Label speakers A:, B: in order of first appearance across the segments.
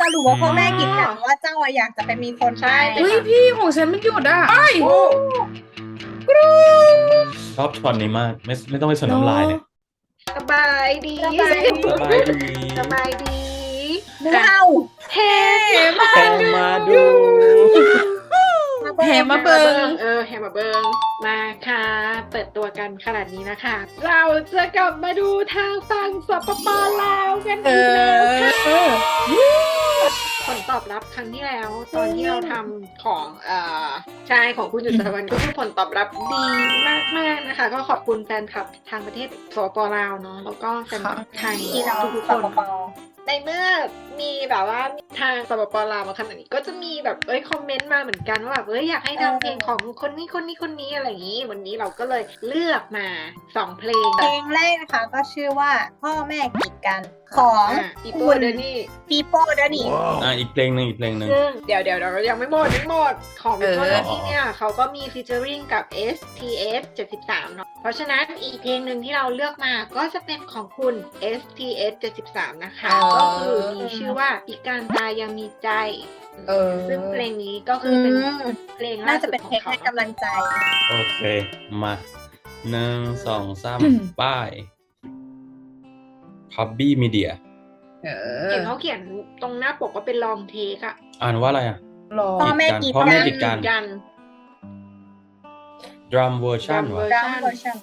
A: สรุปว่าพ่อแม่กีดกันว่าเจ้าอะอยากจะไปมีคนใช่
B: เฮ้ยพี่ของฉันมันหยุดอ่ะไอ้
C: โอ้
B: กรู
C: ชอบช็อตนี้มากไม่ต้องไปสนน้ำลายเลย
D: สบายดี
A: สบายดี
C: สบายดี
D: สบายดี
A: ว้าว
D: เฮ้
C: แข่งมาดู
B: แห่มาเบิง
D: แฮมาเบิงมาค่ะ เปิดตัวกันขนาดนี้นะคะ เราจะกลับมาดูทางฝั่งสปปลาวกัน
B: เอ
D: อีกแล้วค่ะ
B: อ
D: ผลตอบรับครั้งที่แล้ว ตอนที่เราทำของใช่ของคุณจุดสวรรค์ก็คือผลตอบรับดีมากๆนะคะ ก็ขอบคุณแฟนคลับทางประเทศสปปลาวเนาะแล้วก็แฟนคลับไทย
A: ที่เรา
D: ทุก
A: ส
D: ๆคน
A: ปป
D: ในเมื่อมีแบบว่าทางสปปลาวมาขนาดนี้ก็จะมีแบบคอมเมนต์มาเหมือนกันว่าแบบอยากให้ทำเพลงของคนนี้อะไรอย่างนี้ วันนี้เราก็เลยเลือกมา2เพลง
A: เพลงแรกนะคะก็ชื่อว่าพ่อแม่กีดกันของ
D: ปีโป้เดนี่
A: ปีโป้เดนี่
C: อีกเพลงหนึ่ง
D: ซึ่งเดี๋ยวยังไม่หมดของปีโป้เดนี่เนี่ยเขาก็มีฟีเจอริงกับ STS 73เนาะเพราะฉะนั้นอีกเพลงหนึ่งที่เราเลือกมาก็จะเป็นของคุณ STS 73นะคะก็คือมีชื่อว่าอีการตายังมีใจ ซึ่งเพลงนี้ก็คือเป็นเพลงล่า
A: น่าจะ
D: สุด
A: เป็น
D: ขอ
A: เพล
D: ง
A: ง
D: เขา
A: ให้กำลังใจ
C: โอเคมา1 2 3ป้ายพับบี้มีเดีย
D: เห็นเขาเขียนตรงหน้าปกว่าเป็นลองเทคอะ
C: อ่านว่าอะไรอ่ะ
B: รอ
A: พ่อแม่กีด
C: พ่อ
A: กั
C: แม่
A: น
C: กีดกัน
D: กัน
C: ดรัมเวอร์ชัน
D: Drum
C: วะ
A: ดังเวอร์ชัน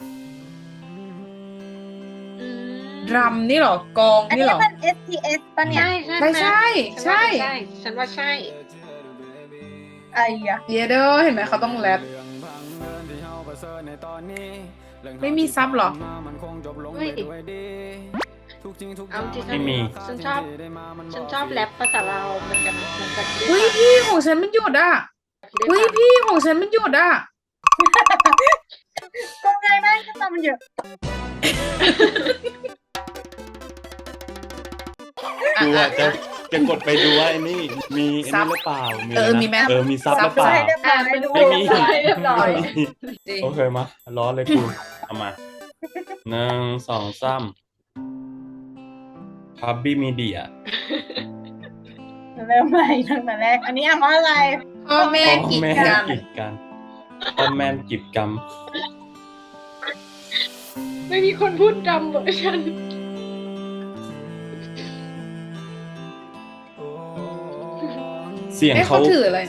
B: ดรัมนี่เหรอกอง
A: อัน
B: นี่
A: นี้
B: เหรอ
A: มัน STS ป่ะเนี่ย
D: ใช่
B: ใช่
D: ฉันว่าใช่
A: ไอ้ยะ
B: เยเดอเห็นไหมเขาต้องแรปไม่มีซับเหรอ
D: เฮ้ยเอาจริงๆ
C: ไม่มี
D: ฉันชอบแรปภาษาเราวเหมือนกันเหมือนกัน
B: เฮ้ยพี่ของฉันมันหยุดอ่ะเฮ้ยพี่ของฉันมันหยุดอ่ะ
A: ก็ง่ายมากขึ้นมามันเยอะ
C: ดูว่าจะกดไปดูว่าไอ้นี่มีไอ้นี่หรือเปล่ามีอะไรนะ
B: มีไหม
C: มีซับหรือเปล่า
A: ให้เรียบร้อย
D: ไปดู
C: ไม่มี
D: เรียบร้อย
B: จริง
C: โอเคมาร้อนเลยกูเอามา1 2 3พับบี้มีเดีย
A: เริ่มใหม่ตั้งแต่แรก อันนี้อ่านว่าอะไร
B: พ่อแม่
C: พ่อ
B: กีด
C: แม่
B: กัน
C: กีดกันพ่อแม่กีดกัน
D: ไม่มีคนพูดดำเวอร์ชัน
C: เสียง
B: เอ๊ะ
C: เขา
B: เขาถืออะไร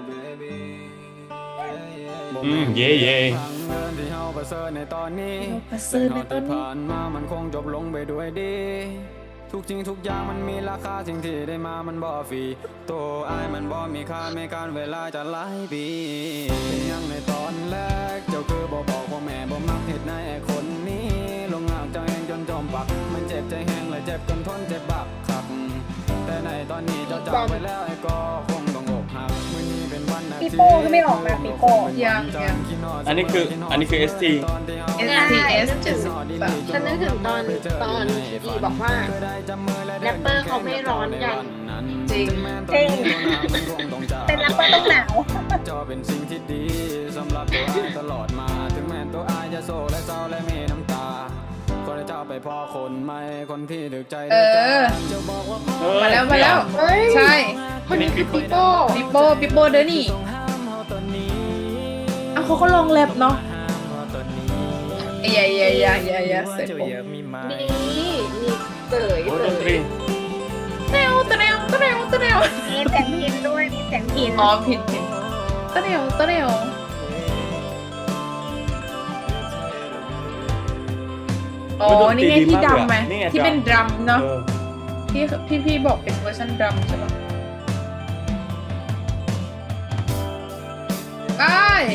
C: เย่เย่
B: ประเสริฐในตอนนี้ผ่านมามันคงจบลงไปด้วยดีทุกจริงทุกอย่างมันมีราคาสิ่งที่ได้มามันบ่ฟรีตัวอายมันบ่มีค่าไม่การเวลาจะหลายปีเป็นยังในตอนแรกเจ้าคือบ่บอกว่าแม่บ่มักเหตุในไอ้คนนี้ลงหากเจ้าเองจนจมปักมันเจ็บใจแห้งและเจ็บจนทนเจ็บบักคักแต่ในตอนนี้เจ้าจากไปแล้วไอ้ก็คงต้องอกหักมื้อนี้เป็นวันอาทิตย์
A: ปีโป้ก็ไม่ออกมาปีโป้
B: ยัง
C: อันนี้คือ ST
B: STS
D: ฉันนึกถึงตอนที่บอกว่าแรปเปอร์เขาไม่ร้อนกัน
B: จริง
A: จริงเป็นแรปเปอร์ต้องหนาว
B: จอเป็นสิ่งที่ดีสำหรับตัวอายตลอดมาถึงแม้ตัวอายจะโศกและเศร้าและมีน้ำตาก็ได้เจ้าไปพ่อคนใหม่คนที่ถึกใจจะบอกว่ามาแล้วใช่
D: คนนี้คือปีโป้
B: ปิโป้เดอนี่อ่ะเขาก็ลองแรปเนาะอย่าเสร็จผม
D: มีเต๋ย
C: โอ้ดนตรี
B: เตะว
A: มีเสียงพินด้วย มีเสียงพิน
B: อ๋อผิดตะเนวอ๋อนี่ไงที่ดำไหมที่เป็นดรัมเนาะ พี่บอกเป็นเวอร์ชันดรัมใช่ปะไป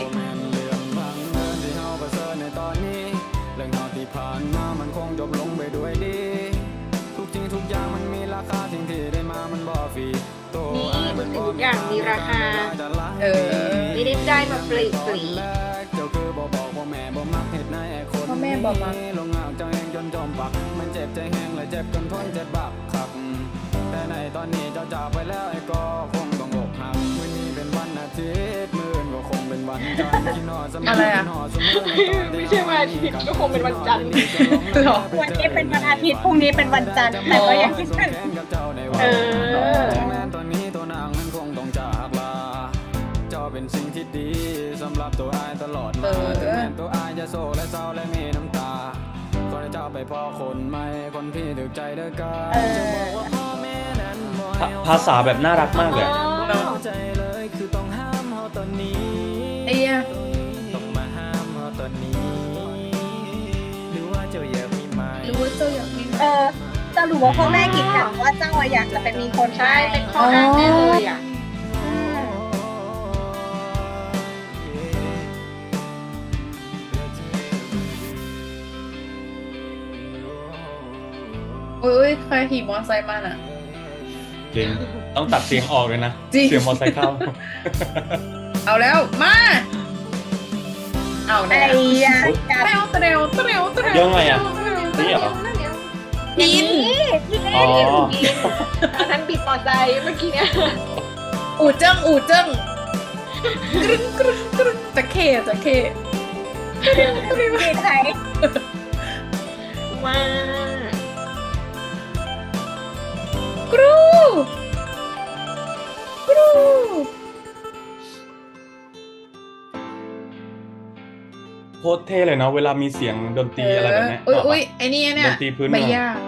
B: เรื่องราวที่ผ่านมามันคงจบลงไปด้วยดีทุกจริงทุกอย่างมันมีราคาสิ่งที่ได้มามันบ่ฟรีตัว
D: นี่ทุกสิ่งทุกอย่างมีราคา ไม่ได้ได้มาฟรี
B: เจ้าคือบอกว่าแม่บ่มักเหตุในไอ้คนพ่อแม่บ่มักลงหากเจ้าเองจนจมปักมันเจ็บใจแห้งและเจ็บจนทนเจ็บบักคักแต่ในตอนนี้เจ้าจากไปแล้วไอ้ก็คงต้องอกหักมื้อนี้เป็นวันอาทิตย์มื้ออื่นก็คงเป็นวันจันทร์ที่นอนสมัยนอนสมัย
D: ไม่ใช่วันอาทิตย์ก็คงเป็นวันจันทร์
A: วันนี้เป็นวันอาทิตย์ พรุ่งนี้เป็นวันจันทร์ แต่ก็ยังคิดถึง
D: เออ
B: ไปพ่อคนใหม่คนพี่ถึกใจเด้อกัน
A: เออ
B: จะบอกว่าพ่อแม่นั้นบ่ให้
C: ภาษาแบบน่ารักมากเลย
B: เข้าใจเลยคือต้องห้ามเฮาตอนนี้
E: ไอ้เหี้ย
B: ต้องมาห้ามเฮาตอนนี้หรือว่าเจ้าอยากมีไหม
E: รู้ว่าเจ้าอยากมี
A: สรุปว่าพ่อแม่กีดกันว่าเจ้าอะอยากจะไปมีคน
D: ใช่เป็นข้ออ้างแน่เลยอ่ะ
E: อุ้ยใครขี่มอเตอร์ไซค์มาน่ะ
C: จริงต้องตัดเสียงออกเลยนะ
E: จริง
C: เสียงมอเตอร์ไซค์เข้า
E: เอาแล้วมาเอา
A: ไอ้
E: แน่
A: ยาการ
E: เตร็วเตร็วเตร็วเตร็ว
C: ยังไงอะ นี่เหรอ
E: กิน
C: อ๋อ
D: อันนั้นบิดมอไซค์เมื่อกี้เนี่ย
E: อู่เจิ้งอู่เจิ้งกรึ๊งกรึ๊งกรึ๊งจะเข้จะเข้
A: กีดใคร
D: ว้าก
E: รูกรู
C: โคตรเท่เลยเนาะเวลามีเสียงดนตรีอะไรแบบเนี้ย
E: อุ้ยไอ้นี่เนี่ย
C: ดนตรีพื้น
E: ใบ
C: เมือง
E: หญ้า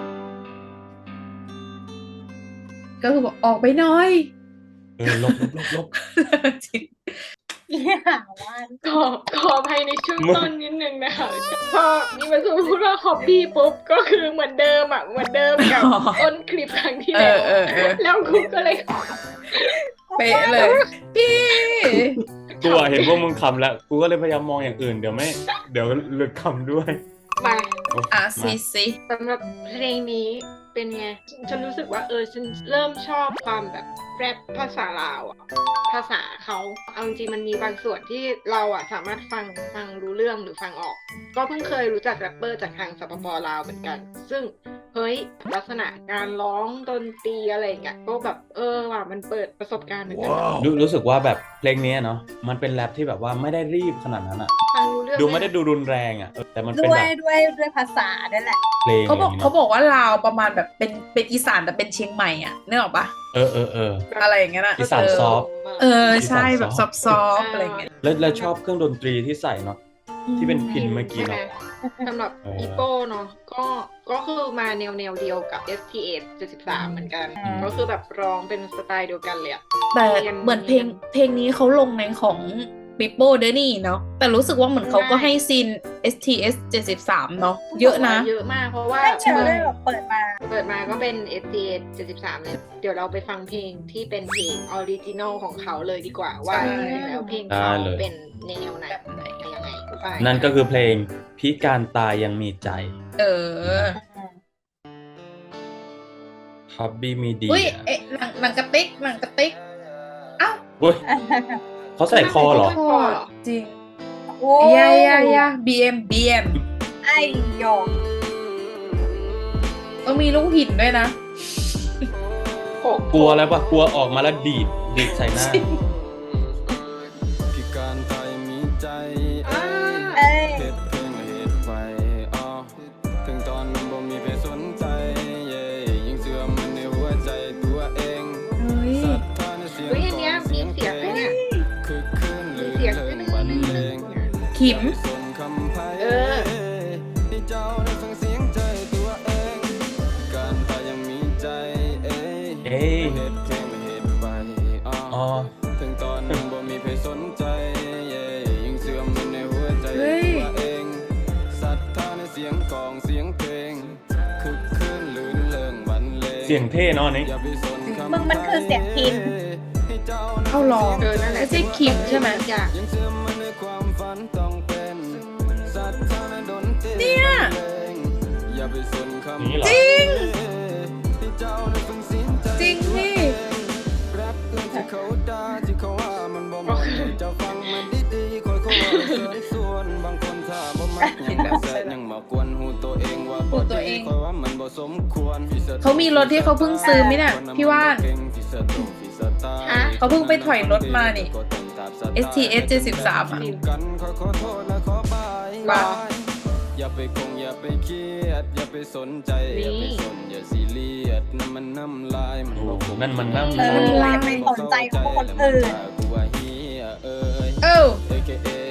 E: ก็คือบอกออกไปหน่อย
C: ลบ
E: จริง
A: อย่าว่า
D: ขออภัยในช่วงต้นนิดนึงนะคะพอนี่มาสู่พูดว่าฮอบบี้ปุ๊บก็คือเหมือนเดิมอ่ะเหมือนเดิมกับต้นคลิปครั้งที่แล้ว แล้วกูก็เลย
E: เป๊ะเลย พี่
C: กูอะเห็นว่ามึงคำแล้วกูก็เลยพยายามมองอย่างอื่นเดี๋ยวหลุดคำด้วย
D: มา
E: อ่ะซีซี
D: สำหรับเพลงนี้เป็นไง ฉันรู้สึกว่าฉันเริ่มชอบความแบบแรปภาษาลาวอ่ะ ภาษาเขาเอาจริงๆมันมีบางส่วนที่เราอ่ะสามารถฟังรู้เรื่องหรือฟังออก ก็เพิ่งเคยรู้จักแรปเปอร์จากทางสปป.ลาวเหมือนกัน ซึ่งเฮ้ยลักษณะการร้องดนตรีอะไรอย่างเงี้ยก็แบบว่ะมันเปิดประสบการณ์เหมือนกันนะ
C: รู้สึกว่าแบบเพลงนี้เนาะมันเป็นแรปที่แบบว่าไม่ได้รีบขนาดนั้นอะ
D: ฟังรู้เรื่อง
C: ดูไม่ได้ดูรุนแรงอะแต่มันเป็น
A: ด้ว
C: แบ
A: ย
C: บ
A: ด้วยภาษาด้วยแหละ
C: เพลง
E: เขาบอก
C: ย่งนี้
E: เขาบอกว่าลาวประมาณแบบเป็นอีสานแต่เป็นเชียงใหม่อ่ะนึกออกปะ
C: เออ
E: อะไรอย่างเงี้ยนะ
C: อีสานซอฟต์
E: ใช่แบบซอฟต์อะไรอย่างเงี้ย
C: แล้วชอบเครื่องดนตรีที่ใส่เนาะที่เป็นพินเมื่อกี้เนาะ
D: สำหรับอีโป้เนาะก็คือมาแนวเดียวกับ STS 73เหมือนกัน
A: อืม
D: ก็คือแบบร้องเป็นสไตล์เดียวกันเลยอะ
E: แต่เหมือนเพลงนี้เขาลงในของปิโป้เดนี่เนาะแต่รู้สึกว่าเหมือนเขาก็ให้ซีน STS 73เนาะเยอะนะ
D: เยอะมากเพราะว่า
A: ไม่เจอเลยแบบเปิดมา
D: ก็เป็น STS 73เลยเดี๋ยวเราไปฟังเพลงที่เป็นเพลงออริจินอลของเขาเลยดีกว่าว่า
E: ใช่
D: จริงๆแล้วเพลงเขาเป็นแนวไหน
E: แบบไหน
D: ยังไงไป
C: นั่นก็คือเพลงพิการตายยังมีใจ
E: เออ
C: ฮับบี้มีดี
E: อุ้ยเอ๊ะหนังกระติกอ้าว
C: อุ้ยเขาใส่คอเหรอ
E: คอจริง
A: โอ้
E: ยา BM
A: ไอ้หยอก
E: ต้องมีลูกหินด้วยนะ
C: กลัวแล้วปะกลัวออกมาแล้วดีดใส่หน้า
B: พิการไทยมีใจ
A: เอ้ย
B: เฮ็ดเพลงและเฮ็ดไปถึงตอนนั้นบ่มีใครสนใจเย่ยิ่งเสื่อมมันในหัวใจตัวเอง
E: เฮ้ย
B: ศรัทธาในเสียง
D: เฮ้ยอันเนี้ยมีเสียงด้วยเนี่ย
B: คือคืนหรือ
D: เสียง
B: เพล
D: ด้วย
B: ง
D: นะ
B: บรรเลง
E: ขิม
B: ส่งคำไพ่
D: เออ
B: ให้เจ้าได้ฟังเสียงใจตัวเอง การตายยังมีใจเอ้ย
C: เอ้ย
B: เฮ็ดเพลงและเฮ็ดไป
C: อ๋อ
B: ถึงตอนนั้นบ่มีใครสนใจเย่ยิ่งเสื่อมมันในหัวใจ
E: เฮ้ย
B: ตัวเองศรัทธาในเสียงกลองเสียงเพลงคึกคืนลื่นเริงบรรเลง
C: เสียงเท่เนาะนี่
B: อย่าไปสนคำ
A: มึงมันคือเสียงพิน
B: ให้เจ้า
E: เอาลอง
D: นั่นแหละ
E: ไม่ใช่ขิมใช่ไหม
D: อยาก
B: ยังเสื่อมมันในความฝันต้องเป็นศรัทธาในดนตรี
E: เนี่ย
B: บรรเลงอย่าไปสนคำ
C: นี่เหรอ
E: จริง
B: ให้เจ้าได้ฟังเสียงใจ
E: จริงพี่
B: แรปอื่นที่เขาด่าที่เขาว่ามันบ่เหมาะจะฟังมันดีๆค่อยๆว่าเสริญส่วนบางคนถ้าบ่มักยังบ่แซ่บยังมากวนหูตัวเองว่าบ่
E: หูตัวเอ
B: ดี
E: ง
B: ค่อยว่ามันบ่สมควร
E: เขามีรถที่เขาเพิ่งซื้อไหมเนี่ยพี่ว่าน
D: ฮะ
E: เขาเพิ่งไปถอยรถมานี่ STS 73อ่ะ
B: กันขอโทษและขอบาย
E: ว่า
B: อย่าไปคงอย่าไปเครียดอย่าไปสนใจอย่าไปสนอย่าซีเรียสนั่นมันน้ำลายมันบ่คุ้ม
C: นั่นมันน้ำ
A: เอออย่าไปสนใจของคนอื่น
B: กูว่าเฮียเอ้ย
E: เอ้า
B: AKA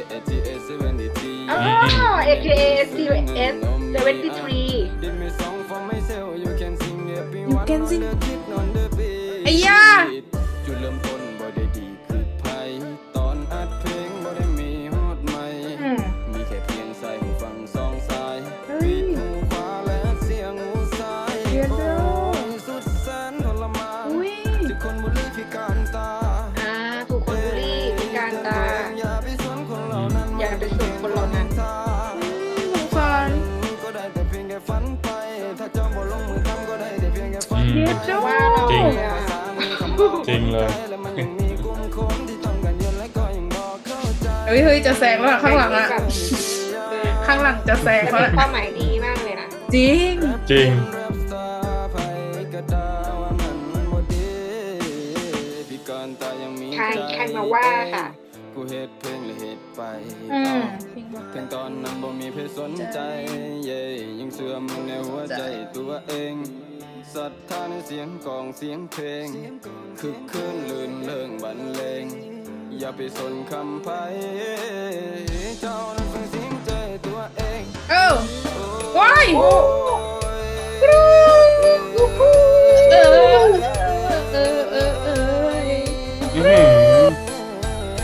B: ATS 73
D: อ๋อ AKA CVS 73
B: Did me song for myself you can sing everyone
E: You can sing
B: บ่ได้คิดนอนเด้อพี่
E: ไอ้ย่า
B: จุดเริ่มต้นบ่ได้ดีคือไผตอนอัดเพลงบ่ได้มีฮอดใหม่
A: อืม
B: มีแค่เพียงใส่หูฟังสองสายปิดหูขวาและเสียงหูซ้ายโอ้ยสุดแสนทรมาน
E: อุ้ย
B: ที่คนบุรีพิการตา
D: ถูกคนบูลลี่พิการตา
B: อย่าไปสนคนเหล่านั้น
D: อย่าไปสนคนเหล่านั้น
E: สงสาร
B: ก็ได้แต่เพียงแค่ฝันไป ถ้าเจ้าบ่ลงมือทำก็ได้แต่เพียงแค่ฝัน
C: อืม
B: ไป
E: เจ้า
D: ว่าเรา
C: จริง
D: เนี่ย
C: จริงเลย
B: แล้วมันยังมีกลุ่มคนที่ต้องการเงินและก็ยังบ่เข้าใจ
E: เฮ้ยจะแซงแล้วอะข้างหลังอะ ข้างหลังจะแซง
D: แต่
E: แล้ว
D: เป็น
E: อะ
D: เป้าหมายดีมากเลยนะ
E: จริง
C: จริง
B: แรปสตาร์ไผก็ด่าว่ามันบ่ดีพิการตายังมี
D: ใครมาว่าค่ะ
B: กูเฮ็ดเพลงและเฮ็ดไป
A: อืม
B: ถึงตอนนั้นบ่มีเพศสนใจเย่ยังเสื่อมในหัวใจตัวเองศรัทธาในเสียงกลองเสียงเพลงคึกคืนลื่นเริงบรรเลงอย่าไปสนคำไผเจ้านั้นฟังเสียงใจตัวเอง
E: เอ้าว้าย
B: โอ้ย
E: เออเออเออเออ
C: อื้อหือ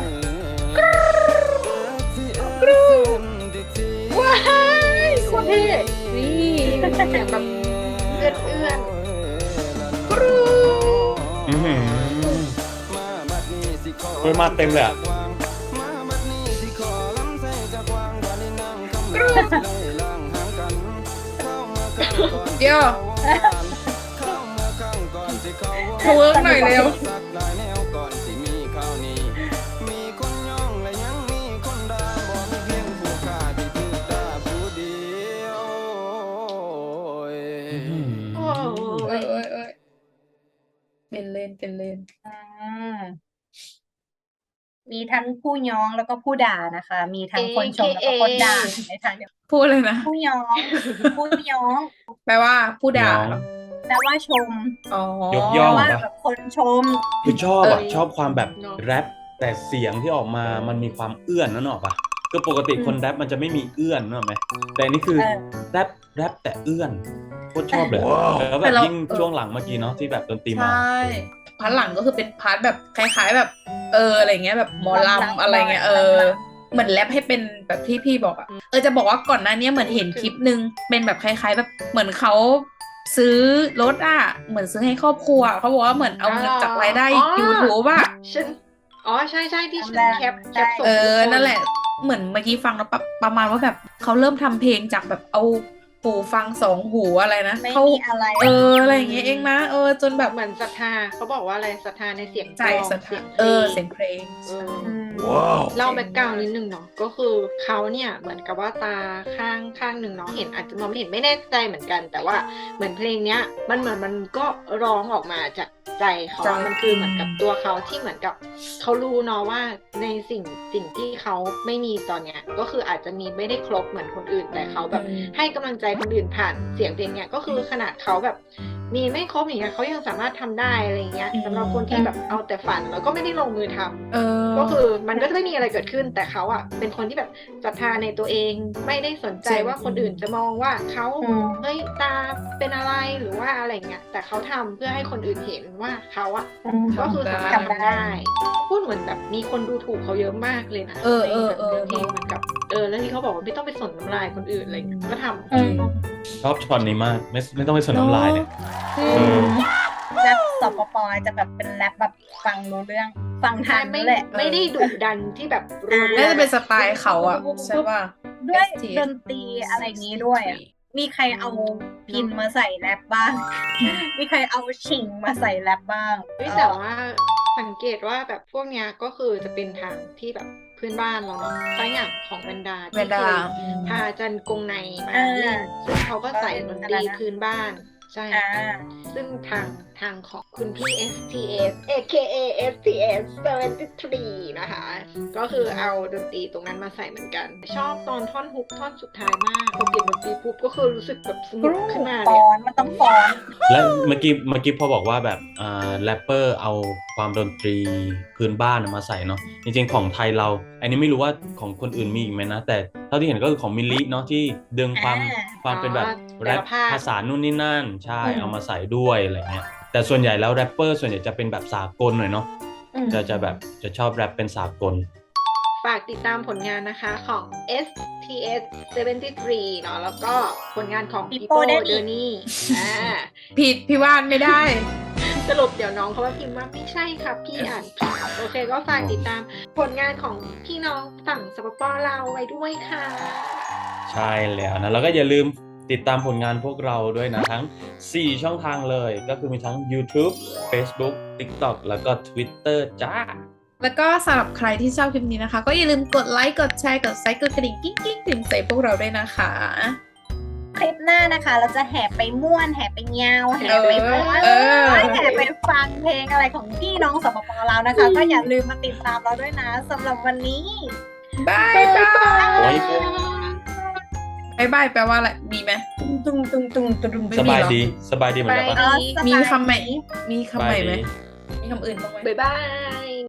D: ว้ายโคตรเท่
E: นี่
D: เสียงแบบเอื้อน
C: อื้อหือเฮ้ยมาเต็มเลยอะ
E: เดี๋ยวทเวิร์กหน่อยเร็ว
D: ๆโอ้โห
E: เอ้ยเป็นเลนเป็นเลน
A: อืมมีทั้งผู้ย้องแล้วก็ผู้ด่านะคะ มีทั้งคนชมแล้วก็คนด่าในทางเดียว
E: พูดเลยนะ
A: ผู้ย้องผู้ย้อง
E: แปลว่าผู้ด่า
C: น้อง
E: เหรอ
A: แปลว่าชม
E: อ๋อย
C: ก
A: แป
C: ย่
A: ล
C: อง
A: ว่า
C: ปะ
A: แบบคนชม
C: คือชอบอ่ะ
E: เออ
C: ชอบความแบบแรปแต่เสียงที่ออกมามันมีความเอื้อนนั่นหรอกปะคือปกติคนแรปมันจะไม่มีเอื้อนนึกออกไหมแต่อันนี่คือ
A: เออ
C: แรปแต่เอื้อนโคตรชอบเลยแล้วแบบยิ่งช่วงหลังเมื่อกี้เนาะที่แบบดนตรี
E: ใช
C: มา
E: ่พาร์ทหลังก็คือเป็นพาร์ทแบบคล้ายๆแบบ อะไรเงี้ยแบบหมอลำอะไรเงี้ยเหมือนแรปให้เป็นแบบที่พี่บอกอะจะบอกว่าก่อนหน้านี้เหมือนเห็นคลิปนึงเป็นแบบคล้ายๆแบบเหมือนเขาซื้อรถอะเหมือนซื้อให้ครอบครัวเขาบอกว่าเหมือนเอาเงินจากรายได้ YouTube อะ
D: ฉันใช่ที่ฉันแคปส่ง
E: นั่นแหละเหมือนเมื่อกี้ฟังแล้วประมาณว่าแบบเขาเริ่มทำเพลงจากแบบเอาหูฟัง2 หูอะไรนะ
A: ไม่
E: เขา
A: มีอะไร
E: อะไรอย่างเงี้ยเองนะจนแบบ
D: เหมือนศรัทธาเขาบอกว่าอะไรศรัทธาในเสียง
E: ใจ
D: กลอง
E: สะท้านเสียงเพลง
D: เออ
A: อืม
D: เล่าแบ็กกราวน์นิดนึงเนาะก็คือเขาเนี่ยเหมือนกับว่าตาข้างหนึ่งเนาะเห็นอาจจะมองไม่เห็นไม่แน่ใจเหมือนกัน แต่ว่าเหมือนเพลงเนี้ยมันเหมือนมันก็ร้องออกมาจากใจเขา
E: ใจ
D: มันคือเหมือนกับตัวเขาที่เหมือนกับเขารู้เนาะว่าในสิ่งที่เขาไม่มีตอนเนี้ยก็คืออาจจะมีไม่ได้ครบเหมือนคนอื่นแต่เขาแบบให้กำลังใจคนอื่นผ่านเสียงเพลงเนี้ยก็คือขนาดเขาแบบมีไม่ครบอย่างเงี้ยเขายังสามารถทำได้อะไรเงี้ยสำหรับคนที่แบบเอาแต่ฝันแล้วก็ไม่ได้ลงมือทำ ก็คือมันก็จะไม่มีอะไรเกิดขึ้นแต่เขาอะเป็นคนที่แบบศรัทธาในตัวเองไม่ได้สนใจว่าคนอื่นจะมองว่าเขา
A: อืม
D: เฮ้ยตาเป็นอะไรหรือว่าอะไรเงี้ยแต่เขาทำเพื่อให้คนอื่นเห็นว่าเขาอะ
A: อืม
D: ก็คือสามารถทำได้พูดเหมือนแบบมีคนดูถูกเขาเยอะมากเลยนะในเพลงเหมือนกับแล้วที่เขาบอกว่าไม่ต้องไปสนน้ำลายคนอื่นอะไรเงี้ยก็ทำ
A: อืม
C: ชอบช็อตนี้มากไม่ต้องไปสนน้ำลายเนี่ย
A: แรปสปปจะแบบเป็นแรปแบบฟังรู้เรื่อง ฟังทัน
D: ไม่
A: แหละ
D: ไม่ได้ดุดันที่แบบรัวๆ
E: น่าจะเป็นสไตล์เขาอะใช่ป่ะ
A: ด้วย
E: STS
A: ดนตรีอะไรอย่างนี้ด้วยอ่ะ มีใครเอาพินมาใส่แรปบ้าง มีใครเอาชิงมาใส่แรปบ้าง
D: เฮ้ยแต่ว่าสังเกตว่าแบบพวกเนี้ยก็คือจะเป็นทางที่แบบเพื่อนบ้านเราเนาะตัวอย่างของแวนดาที่
E: แวนดา
D: เคยพาจันกงในมาเล่นซึ่งเขาก็ใส่ดนตรีพื้นบ้านใช่
A: อ่า
D: ซึ่งททางของคุณพี่ STS aka STS 73 นะคะ ก็คือเอาดนตรีตรงนั้นมาใส่เหมือนกัน ชอบตอนท่อนฮุกท่อนสุดท้ายมากพอเปลี่ยนดนตรีปุ๊บก็คือรู้สึกแบบสนุกขึ้นมาเล
A: ฟ้
D: ย
A: อนมันต้องฟ้อน
C: แล้วเมื่อกี้พอบอกว่าแบบแรปเปอร์เอาความดนตรีพื้นบ้านมาใส่เนาะจริงๆของไทยเรา อันนี้ไม่รู้ว่าของคนอื่นมีอีกไหมนะ แต่เท่าที่เห็นก็คือของมิลลิเนาะที่ดึงความเป็นแบบแรปภาษานู่นนี่นั่นใช่เอามาใส่ด้วยอะไรเงี้ยแต่ส่วนใหญ่แล้วแรปเปอร์ส่วนใหญ่จะเป็นแบบสากลหน่อยเนาะจะแบบจะชอบแรปเป็นสากล
D: ฝากติดตามผลงานนะคะของ STS 73 เนาะแล้วก็ผลงานของ
A: People
D: People
A: Denny
D: Denny
E: ผิดพี่ว่านไม่ได้
D: สรุปเดี๋ยวน้องเขาว่าพิมพ์ว่าไม่ใช่ครับพี่อ่านผิดโอเคก็ฝากติดตามผลงานของพี่น้องฝั่งสปปลาวไว้ด้วยค่ะ
C: ใช่แล้วนะแล้วก็อย่าลืมติดตามผลงานพวกเราด้วยนะ ทั้ง 4 ช่องทางเลย ก็คือมีทั้ง YouTube Facebook TikTok แล้วก็ Twitter จ้า
E: แล้วก็สำหรับใครที่ชอบคลิปนี้นะคะ ก็อย่าลืมกดไลค์กดแชร์กดไซค์กดกระดิ่งกิ๊งกิ๊งถึงใส่พวกเราด้วยนะคะ
A: คลิปหน้านะคะ เราจะแห่ไปม่วนแห่ไปเงาแห่ไปฟ้อน
E: เออ
A: แห่ไปฟังเพลงอะไรของพี่น้องสปปลาวนะคะ ก็อย่าลืมมาติดตามเราด้วยนะสำหรับวันนี้
E: บายบาย
C: โอ้ย
E: บายบายแปลว่าอะไร มีไหม
A: ตุ้งตุ้งตุ้งตุ้งตุ้ง
E: ไม่
C: ส
E: มี
C: บาย
E: หรอ
C: ดีสบายดีเหมือนกันปะ
A: อ๋อสบาย
E: มีคำใหม่
A: ดี
E: มีคำใหม่ไหม มีคำอื่นบ้างไหม
D: บ๊ายบาย